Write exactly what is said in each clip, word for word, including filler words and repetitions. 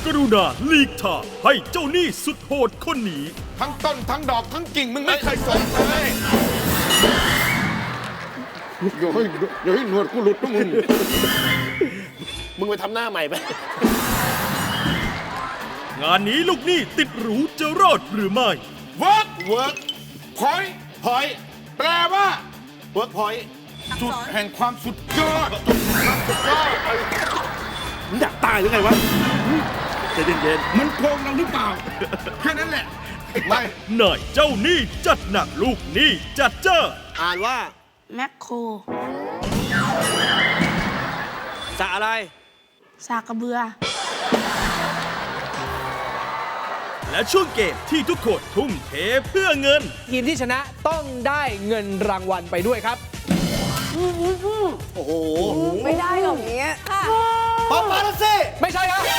กรุณาหลีกทางให้เจ้าหนี้สุดโหดคนนี้ทั้งต้นทั้งดอกทั้งกิ่งมึงไม่เคยสนเลยเดี๋ยวให้เดี๋ยวให้หนวดกูหลุดนะมึงมึงไปทำหน้าใหม่ไปงานนี้ลูกหนี้ติดหรูจะรอดหรือไม่ work work point พอยแปลว่าเวิร์กพอยต์จุดแห่งความสุดยอดจุดแห่งความสุดยอดมึงอยากตายหรือไงวะใจเย็นมันโกงเราหรือเปล่า แค่นั้นแหละ ไม่นายเจ้าหนี้จัดหนักลูกหนี้จัดเจ้าๆอ่านว่าแมคโครสะอะไรสากกระเบือและช่วงเกมที่ทุกคนทุ่มเทเพื่อเงินทีมที่ชนะต้องได้เงินรางวัลไปด้วยครับโอ้โหไม่ได้หรอกเนี้ยค่ะปาปาลัสซี่ไม่ใช่ครับ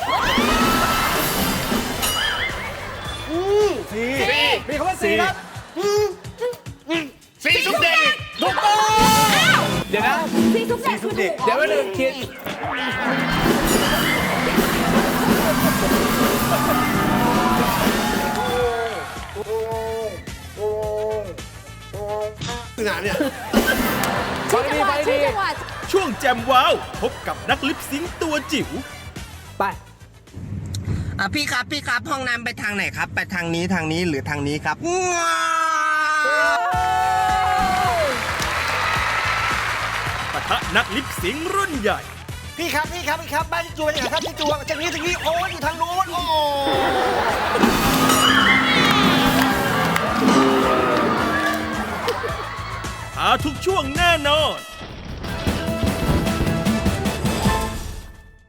สี่มีคำว่าสีครับสีทุกเด็กถูกต้องเดี๋ยวนะซีทุกเด็กคือถูกเดี๋ยวมาหนึ่งคิดคือหนาเนี่ยฟังดีฟังชื่ดีอจังหวัดช่วงแจมว้าว พบกับนักลิปซิงค์ตัวจิ๋วไปอ่ะพี่ครับพี่ครับห้องน้ำไปทางไหนครับ ไปทางนี้ทางนี้หรือทางนี้ครับว้าวปะทะนักลิปซิงค์รุ่นใหญ่พี่ครับพี่ครับพี่ครับบ้านที่จูเป็นยังไงครับที่จูจากนี้จากนี้โอ้ยอยู่ทางโน้นโอ้หาทุกช่วงแน่นอน